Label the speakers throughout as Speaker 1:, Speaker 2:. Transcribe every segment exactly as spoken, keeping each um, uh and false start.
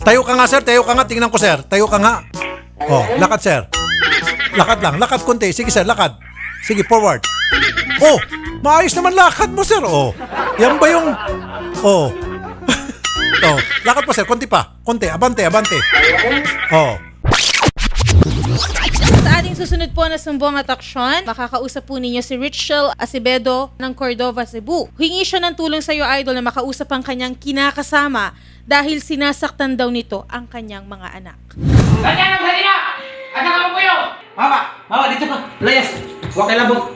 Speaker 1: Tayo ka nga, sir. Tayo ka nga. Tingnan ko, sir. Tayo ka nga. Oh, lakad, sir. Lakad lang. Lakad konti. Sige, sir. Lakad. Sige, forward. Oh, maayos naman lakad mo, sir. Oh, yan ba yung... Oh. Oh, lakad pa, sir. Konti pa. Konti. Abante, abante. Oh.
Speaker 2: Sa ating susunod po na sumbong at aksyon, makakausap po ninyo si Richel Acevedo ng Cordova, Cebu. Hingi siya ng tulong sa iyo, idol, na makausap ang kanyang kinakasama dahil sinasaktan daw nito ang kanyang mga anak.
Speaker 3: Ganyan ang salina! Asa ka po yun? Mama! Mama, dito ka! Layas! Huwag kay labog!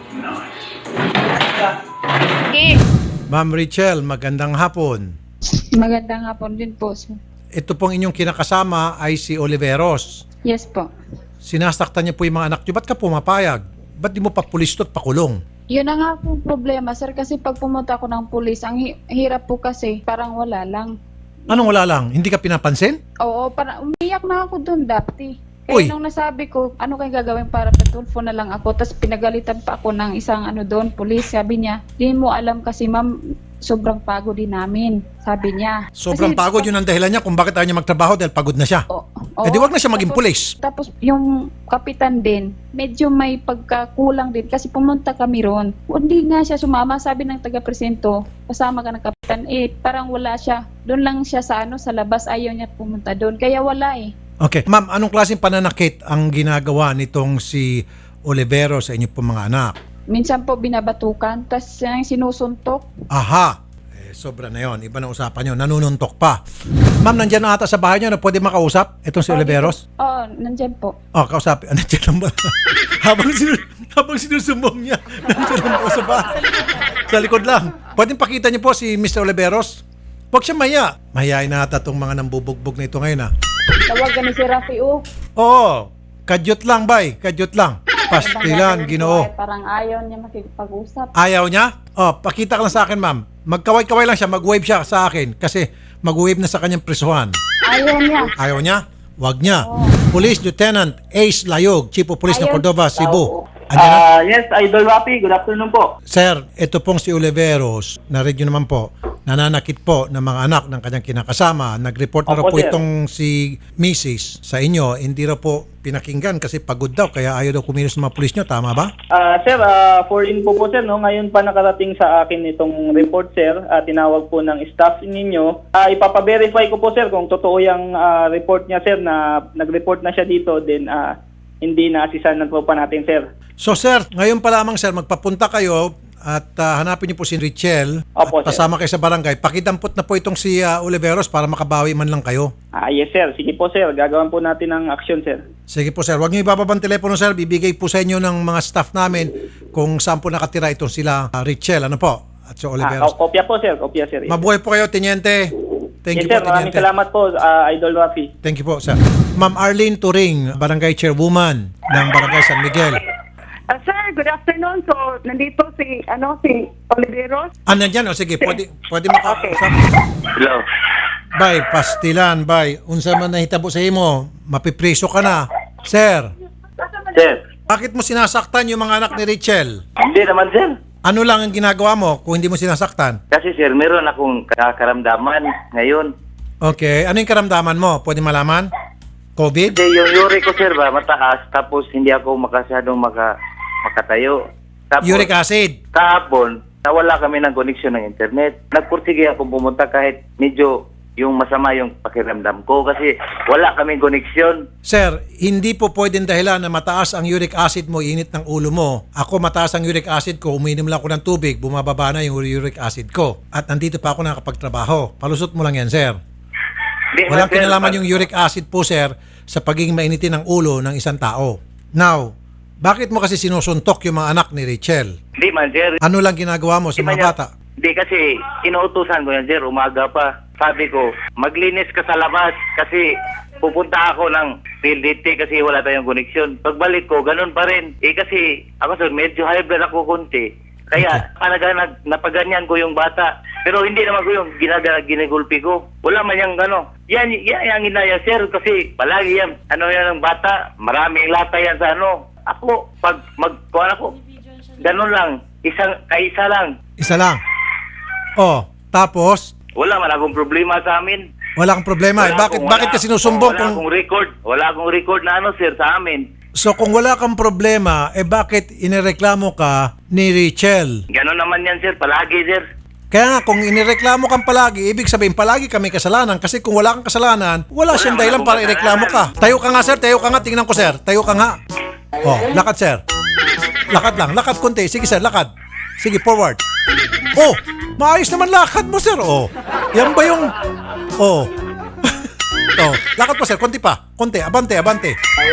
Speaker 2: Okay.
Speaker 1: Ma'am Richel, magandang hapon.
Speaker 4: Magandang hapon din po, sir.
Speaker 1: Ito pong inyong kinakasama ay si Oliveros.
Speaker 4: Yes po.
Speaker 1: Sinasaktan niya po yung mga anak niyo. Ba't ka pumapayag? Ba't di mo pa pulis at pakulong?
Speaker 4: Yun na nga po problema, sir, kasi pag pumunta ako ng pulis, ang hi- hirap po kasi, parang wala lang.
Speaker 1: Anong wala lang? Hindi ka pinapansin?
Speaker 4: Oo, parang umiyak na ako doon dati.
Speaker 1: Uy.
Speaker 4: Kaya nung nasabi ko, ano kayong gagawin para patulfo na lang ako, tapos pinagalitan pa ako ng isang ano doon, pulis, sabi niya, di mo alam kasi ma'am, sobrang pagod din namin, sabi niya.
Speaker 1: Sobrang
Speaker 4: Kasi-
Speaker 1: pagod, yun ang dahilan niya kung bakit ayaw niya magtrabaho dahil pagod na siya.
Speaker 4: Oo,
Speaker 1: Eh di
Speaker 4: oo.
Speaker 1: wag na siya maging
Speaker 4: Tapos-
Speaker 1: pulis.
Speaker 4: Tapos yung kapitan din, medyo may pagkakulang din kasi pumunta kami ron. Hindi nga siya sumama, sabi ng taga-presento, kasama ka ng kapitan. Eh, parang wala siya. Doon lang siya sa ano sa labas, ayaw niya pumunta doon. Kaya wala eh.
Speaker 1: Okay. Ma'am, anong klaseng pananakit ang ginagawa nitong si Olivero sa inyo pong mga anak?
Speaker 4: Minsan po binabatukan, tapos siya yung sinusuntok.
Speaker 1: Aha. Eh, sobra na yon. Iba na usapan yun. Nanununtok pa. Ma'am, nandyan na ata sa bahay niyo na pwede makausap itong si Oliveros?
Speaker 4: Oo, nandyan po.
Speaker 1: Oh, kausapin. Ah, nandiyan lang ba? habang, sinu habang sinusumbong niya, nandiyan lang po sa bahay. Sa likod lang. Pwede pakita niyo po si Mister Oliveros? Huwag siya maya. Mahihain na ata itong mga nambubugbog na ito ngayon, ha?
Speaker 4: Tawagan ni si Rafi, oh.
Speaker 1: Oo. Kadyot lang, bay. Kadyot lang. Pastilan, ginoo.
Speaker 4: Parang ayaw niya makipag-usap.
Speaker 1: Ayaw niya? Oh, pakita ka lang sa akin, ma'am. Magkaway-kaway lang siya, mag-wave siya sa akin kasi mag-wave na sa kanyang presuhan.
Speaker 4: Ayaw niya.
Speaker 1: Ayaw niya? Wag niya. Police Lieutenant Ace Layog, Chief of Police ng
Speaker 4: Ayun.
Speaker 1: Cordova, Cebu. Andiyan na?
Speaker 5: Ah, yes, Idol Rapi. Good afternoon po.
Speaker 1: Sir, ito pong si Oliveros, narinig nyo naman po, nananakit po ng mga anak ng kanyang kinakasama. Nag-report na raw
Speaker 5: Opo,
Speaker 1: po
Speaker 5: sir.
Speaker 1: itong si Missus sa inyo. Hindi raw po pinakinggan kasi pagod daw, kaya ayaw daw kumilos ng mga pulis nyo. Tama ba?
Speaker 5: Ah, sir, ah, for info po sir, no, ngayon pa nakarating sa akin itong report sir. Ah, tinawag po ng staff ninyo. Ah, ipapa-verify ko po sir kung totoo yung ah, report niya sir na nag-report na siya dito, then ah, hindi na asisanan po pa natin sir.
Speaker 1: So sir, ngayon pa lamang sir, magpapunta kayo at ah, hanapin niyo po si Richel
Speaker 5: Opo,
Speaker 1: at
Speaker 5: sir.
Speaker 1: pasama kayo sa barangay. Pakidampot na po itong si ah, Oliveros para makabawi man lang kayo.
Speaker 5: Ah, yes sir, sige po sir, gagawin po natin ang action sir.
Speaker 1: Sige po sir, huwag niyo ibababa ang telepono sir. Bibigay po sa inyo ng mga staff namin kung saan po nakatira itong sila ah, Richel. Ano po? At si
Speaker 5: Ah,
Speaker 1: Oliveros.
Speaker 5: ko- kopya po sir, kopya sir. Yes,
Speaker 1: Mabuhay po kayo, Teniente. Thank you
Speaker 5: yes sir,
Speaker 1: po,
Speaker 5: maraming
Speaker 1: Teniente.
Speaker 5: salamat po ah, Idol Rafi.
Speaker 1: Thank you po, sir. Ma'am Arlene Turing, Barangay Chairwoman ng Barangay San Miguel.
Speaker 6: Ah, sir, good afternoon. So, nandito si, ano, si Oliveros.
Speaker 1: Ah, nandyan. O sige, pwede, pwede makausap.
Speaker 5: Hello.
Speaker 1: Bay, pastilan, bay. Unsa man nahitabo sa imo, mapipreso ka na. Sir,
Speaker 5: Sir,
Speaker 1: bakit mo sinasaktan yung mga anak ni Richel?
Speaker 5: hindi naman sir.
Speaker 1: Ano lang ang ginagawa mo kung hindi mo sinasaktan?
Speaker 5: Kasi sir, meron akong kakaramdaman ngayon.
Speaker 1: Okay, ano yung karamdaman mo? Pwede malaman? COVID?
Speaker 5: Kasi yung uric ko sir ba, mataas, tapos hindi ako makasyadong maka, makatayo. Tapos,
Speaker 1: Uric acid?
Speaker 5: kahapon, nawala kami ng koneksyon ng internet. Nagpursige ako pumunta kahit medyo yung masama yung pakiramdam ko kasi wala kaming koneksyon.
Speaker 1: Sir, hindi po pwedeng dahilan na mataas ang uric acid mo, init ng ulo mo. Ako mataas ang uric acid ko, uminom lang ako ng tubig, bumababa na yung uric acid ko. At nandito pa ako nakakapagtrabaho. Palusot mo lang yan, sir.
Speaker 5: Di man,
Speaker 1: Walang
Speaker 5: sir,
Speaker 1: kinalaman
Speaker 5: pag-
Speaker 1: yung uric acid po, sir, sa pagiging mainitin ng ulo ng isang tao. Now, bakit mo kasi sinusuntok yung mga anak ni Rachel?
Speaker 5: Di man sir.
Speaker 1: Ano lang ginagawa mo sa
Speaker 5: Di man
Speaker 1: mga
Speaker 5: yan-
Speaker 1: bata?
Speaker 5: Di kasi inuutusan ko yan sir, umaga pa. Sabi ko, maglinis ka sa labas kasi pupunta ako ng P L D T kasi wala tayong koneksyon. Pagbalik ko, ganun pa rin. Eh kasi ako sir, medyo high blood ako konti. Kaya talaga nag, napaganyan ko yung bata. Pero hindi naman ko yung ginaga, ginagulpi ko. Wala man yung gano. Yan, yan yung inaya sir kasi palagi yan. Ano yan ng bata, maraming lata yan sa ano. Ako, pag magkuhan ako, ganun lang. Isang, kaisa lang.
Speaker 1: Isa lang. Oh, tapos,
Speaker 5: Wala man akong problema sa amin.
Speaker 1: Wala kang problema. Eh,
Speaker 5: Wala
Speaker 1: bakit,
Speaker 5: akong-
Speaker 1: bakit
Speaker 5: wala-
Speaker 1: ka sinusumbong
Speaker 5: Wala
Speaker 1: kung...
Speaker 5: akong record. Wala akong record na ano, sir, sa amin.
Speaker 1: So kung wala kang problema, eh bakit inireklamo ka ni Richelle?
Speaker 5: Ganon naman yan, sir. Palagi, sir.
Speaker 1: Kaya nga, kung inireklamo kang palagi, ibig sabihin palagi kami kasalanan. Kasi kung wala kang kasalanan, wala, siyang
Speaker 5: wala
Speaker 1: dahilan
Speaker 5: akong
Speaker 1: para ireklamo ka. Tayo ka nga, sir. Tayo ka nga. Tingnan ko, sir. Tayo ka nga. Oh, lakad, sir. Lakad lang. Lakad konti. Sige, sir. Lakad. Sige, forward. Oh, maayos naman lakad mo, sir. Oh, yan ba yung... Oh. Oh, lakad po, sir. Konti pa. Konti. Abante, abante.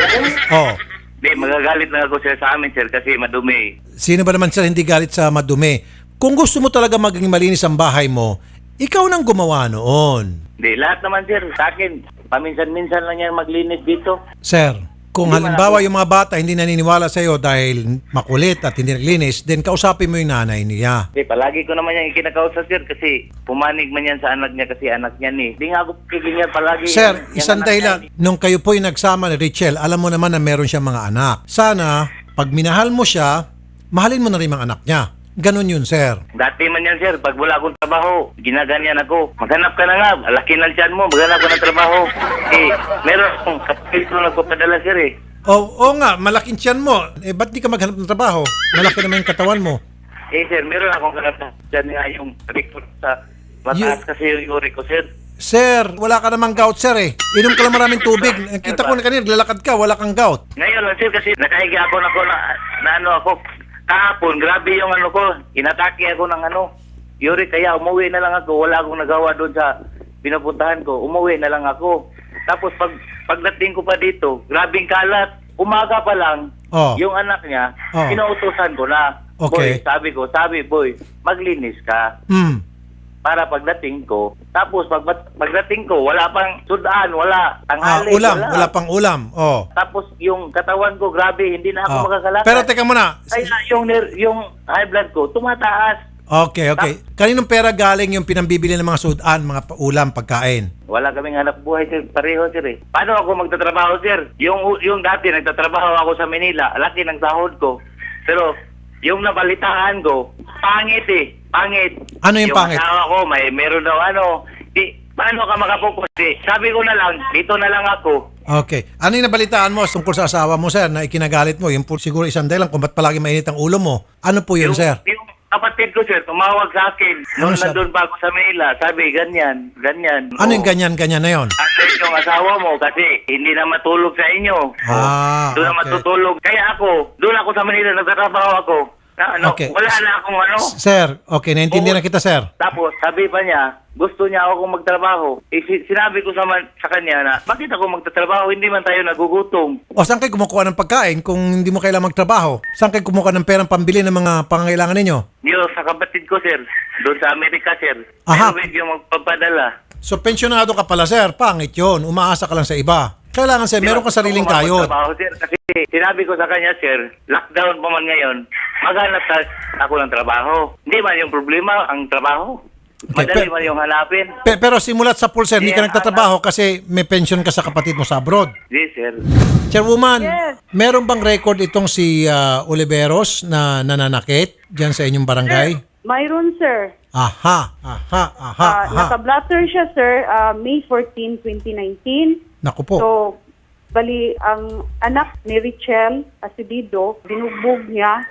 Speaker 1: Oh.
Speaker 5: Di, magagalit na ako, sir, sa amin, sir, kasi madumi.
Speaker 1: Sino ba naman, sir, hindi galit sa madumi? Kung gusto mo talaga maging malinis ang bahay mo, ikaw nang gumawa noon.
Speaker 5: Di, lahat naman, sir, sa akin. Paminsan-minsan lang yan maglinis dito.
Speaker 1: Sir, kung
Speaker 5: Hindi
Speaker 1: halimbawa
Speaker 5: man
Speaker 1: yung mga bata hindi naniniwala sa iyo dahil makulit at hindi naglinis, then kausapin mo yung nanay niya.
Speaker 5: Di, palagi ko naman yan ikinakausap, sir, kasi pumanig man yan sa anak niya kasi anak niya ni. Di nga ako kikinyar palagi.
Speaker 1: Sir,
Speaker 5: Yan- yan
Speaker 1: isang
Speaker 5: anak
Speaker 1: dahilan,
Speaker 5: niya ni.
Speaker 1: nung kayo po yung nagsama ni Richelle, alam mo naman na meron siyang mga anak. Sana, pag minahal mo siya, mahalin mo na rin mga anak niya. Ganon yun, sir.
Speaker 5: Dati man yan, sir, pag wala akong trabaho, ginaganyan ako. Maghanap ka na nga, laki ng tiyan mo, maghanap ka ng trabaho. Eh, meron akong kapatid ko nagpapadala, sir, eh.
Speaker 1: Oo, oo nga, malaking tiyan mo. Eh, ba't di ka maghanap ng trabaho? Malaki naman yung katawan mo.
Speaker 5: Eh, sir, meron akong kakapatid dyan nga yung record sa mataas kasi yung uri ko, sir.
Speaker 1: Sir, wala ka namang gout, sir eh. Inom ka lang maraming tubig. Kita ko na kanina, lalakad ka, wala kang gout.
Speaker 5: Ngayon lang, sir, kasi nakahiga ako na, ako na, na ano ako, kahapon, grabe yung ano ko, inatake ako ng ano, Yuri, kaya umuwi na lang ako, wala akong nagawa doon sa pinupuntahan ko, umuwi na lang ako. Tapos pag pagdating ko pa dito, grabing kalat, umaga pa lang,
Speaker 1: Oh.
Speaker 5: yung anak niya,
Speaker 1: Oh.
Speaker 5: pinautusan ko na,
Speaker 1: Okay.
Speaker 5: boy, sabi ko, sabi, boy, maglinis ka.
Speaker 1: Hmm.
Speaker 5: Para pagdating ko, tapos pag pagdating ko, wala pang sudan, wala
Speaker 1: Ah,
Speaker 5: tanghali,
Speaker 1: ulam, wala pang ulam. Oh.
Speaker 5: Tapos yung katawan ko, grabe, hindi na ako
Speaker 1: Oh.
Speaker 5: makakalakad.
Speaker 1: Pero teka muna.
Speaker 5: Kaya yung, ner- yung high blood ko, tumataas.
Speaker 1: Okay, okay. Kaninong pera galing yung pinambibili ng mga sudan, mga pa- ulam, pagkain?
Speaker 5: Wala kaming hanap buhay, sir. Pareho, sir, eh. Paano ako magtatrabaho, sir? Yung, yung dati, nagtatrabaho ako sa Manila. Laki ng sahod ko. Pero, yung nabalitaan ko, pangit eh. Pangit.
Speaker 1: Ano yung pangit?
Speaker 5: asawa ko, may meron daw ano. Di, paano ka makapokus? Eh? Sabi ko na lang, dito na lang ako.
Speaker 1: Okay. Ano yung nabalitaan mo tungkol sa asawa mo, sir, na ikinagalit mo? Yung po, siguro isang dahilan kung ba't palagi mainit ang ulo mo. Ano po yun,
Speaker 5: yung,
Speaker 1: sir?
Speaker 5: Yung kapatid ko, sir, tumawag sa akin.
Speaker 1: Ano
Speaker 5: Noon
Speaker 1: sabi?
Speaker 5: nandun pa ako sa Manila. Sabi, ganyan, ganyan.
Speaker 1: Ano yung
Speaker 5: Oo.
Speaker 1: ganyan-ganyan na yon?
Speaker 5: Andun yung asawa mo kasi hindi na matulog sa inyo.
Speaker 1: Ah,
Speaker 5: Doon na
Speaker 1: okay.
Speaker 5: matutulog. Kaya ako, doon ako sa Manila, nagtatrabaho ako. Na, ano,
Speaker 1: Okay.
Speaker 5: Wala na akong ano.
Speaker 1: Sir, okay, naintindihan na kita, sir.
Speaker 5: Tapos, sabi pa niya, gusto niya ako magtrabaho. Eh, si- sinabi ko sa, man, sa kanya na, bakit ako magtatrabaho? Hindi man tayo nagugutom.
Speaker 1: O saan kayo kumukuha ng pagkain kung hindi mo kailangang magtrabaho? Saan kayo kumukuha ng perang pambili ng mga pangangailangan ninyo?
Speaker 5: Yung sa kapatid ko, sir. Doon sa Amerika, sir.
Speaker 1: Aha.
Speaker 5: Pero yung magpapadala.
Speaker 1: So, pensyonado ka pala, sir. Pangit yun. Umaasa ka lang sa iba. Kailangan, sir, meron kang sariling
Speaker 5: Gusto ko
Speaker 1: kayod.
Speaker 5: magtrabaho, sir. Kasi sinabi ko sa kanya, sir, lockdown pa man ngayon, maghanap ta- ako ng trabaho. Hindi man yung problema, ang trabaho.
Speaker 1: Okay,
Speaker 5: Madali
Speaker 1: pe-
Speaker 5: man yung hanapin.
Speaker 1: Pe- pero simulat sa pool, sir, hindi ka
Speaker 5: Yeah,
Speaker 1: nagtatrabaho kasi may pension ka sa kapatid mo sa abroad.
Speaker 5: Yes, sir.
Speaker 1: Chairwoman,
Speaker 6: Yes.
Speaker 1: meron bang record itong si ah, Oliveros na nananakit dyan sa inyong barangay?
Speaker 6: Mayroon, sir.
Speaker 1: Aha, aha, aha,
Speaker 6: Ah,
Speaker 1: aha.
Speaker 6: naka-blatter siya, sir, ah, May fourteenth, twenty nineteen.
Speaker 1: Naku po.
Speaker 6: So, bali, ang anak ni Richelle Acevedo, binugbog niya.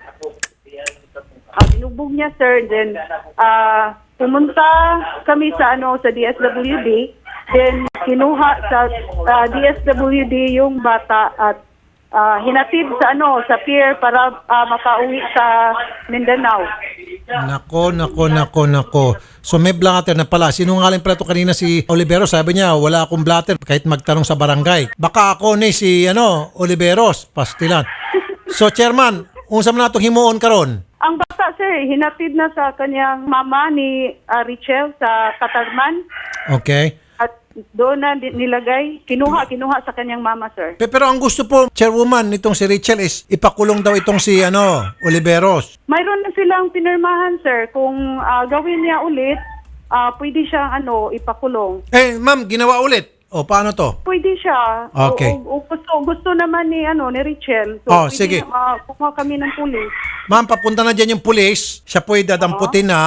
Speaker 6: Ah, binugbog niya, sir. Then, ah, pumunta kami sa, ano, sa D S W D. Then, kinuha sa ah, D S W D yung bata at ah, hinatid sa, ano, sa pier para ah, makauwi sa Mindanao.
Speaker 1: Nako, nako, nako, nako. So may blatter na pala. Sinungaling pala ito kanina si Oliveros. Sabi niya, wala akong blatter kahit magtanong sa barangay. Baka ako ni si ano, Oliveros, pastilan. So chairman, unsa man nato himuon karon?
Speaker 6: Ang bata, sir, hinatid na sa kanyang mama ni ah, Richelle sa Katarman.
Speaker 1: Okay.
Speaker 6: At doon na di- nilagay, kinuha, kinuha sa kanyang mama, sir.
Speaker 1: Pe- Pero ang gusto po, chairwoman, nitong si Richelle is ipakulong daw itong si ano, Oliveros.
Speaker 6: Mayroon na silang pinirmahan, sir. Kung ah, gawin niya ulit, ah, pwede siyang ano, ipakulong.
Speaker 1: Eh, ma'am, ginawa ulit. O, paano to?
Speaker 6: Pwede siya.
Speaker 1: Okay.
Speaker 6: O, o- o gusto, gusto naman ni, ano, ni Richelle.
Speaker 1: Oh,
Speaker 6: pwede
Speaker 1: sige.
Speaker 6: Na, ah, kukuha kami ng pulis.
Speaker 1: Ma'am, papunta na dyan yung pulis. Siya po'y dadamputin na.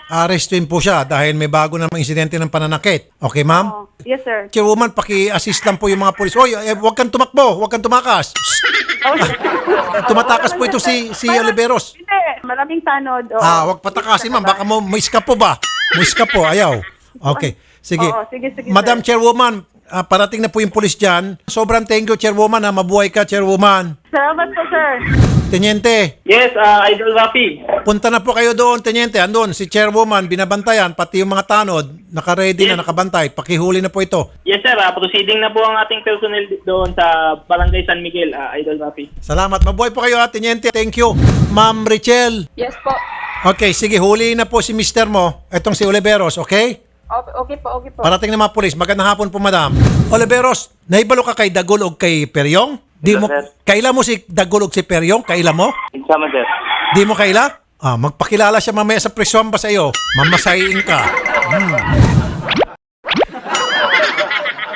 Speaker 1: Arrestin po siya dahil may bago namang insidente ng pananakit. Okay, ma'am?
Speaker 6: Oh, yes, sir.
Speaker 1: Chairwoman, paki-assist lang po yung mga polis. Oy, eh, huwag kang tumakbo, huwag kang tumakas.
Speaker 6: Oh,
Speaker 1: Tumatakas po ito si si
Speaker 6: Parang-
Speaker 1: Oliveros.
Speaker 6: Hindi, maraming tanod. Oo.
Speaker 1: Ah, huwag patakasin, ma'am. Baka mo may po ba? May po, ayaw. Okay. Sige.
Speaker 6: Oo, sige, sige,
Speaker 1: Madam
Speaker 6: sir.
Speaker 1: Chairwoman, ah, parating na po yung polis dyan. Sobrang thank you, Chairwoman. Ha. Mabuhay ka, Chairwoman.
Speaker 6: Salamat po, sir.
Speaker 1: Teniente,
Speaker 7: Yes, uh, Idol Rafi.
Speaker 1: punta na po kayo doon, Teniente. Andun, si Chairwoman, binabantayan, pati yung mga tanod, naka-ready na,
Speaker 7: Yes.
Speaker 1: nakabantay. Pakihuli na po ito.
Speaker 7: Yes, sir. Uh, proceeding na po ang ating personnel doon sa Barangay San Miguel, uh, Idol Rafi.
Speaker 1: Salamat. Mabuhay po kayo, ha, Teniente. Thank you. Ma'am Richel.
Speaker 4: Yes po.
Speaker 1: Okay, sige, huli na po si mister mo. Itong si Oliveros, okay?
Speaker 4: Okay, okay po, okay po.
Speaker 1: Parating na mga polis. Magandang hapon po, madam. Oliveros, naibalo ka kay Dagul o kay Peryong? Di mo,
Speaker 5: Sir.
Speaker 1: kaila mo si Dagul o si Peryong? Kaila mo?
Speaker 5: Insama, sir.
Speaker 1: Di mo kaila? Ah, magpakilala siya mamaya sa presyon ba sa iyo? Mamasayin ka. Hmm.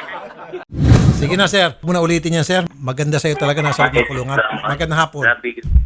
Speaker 1: Sige na, sir. Muna ulitin yan, sir. Maganda sa iyo talaga nasa loob ng kulungan. Magandang hapon.
Speaker 5: Grabe.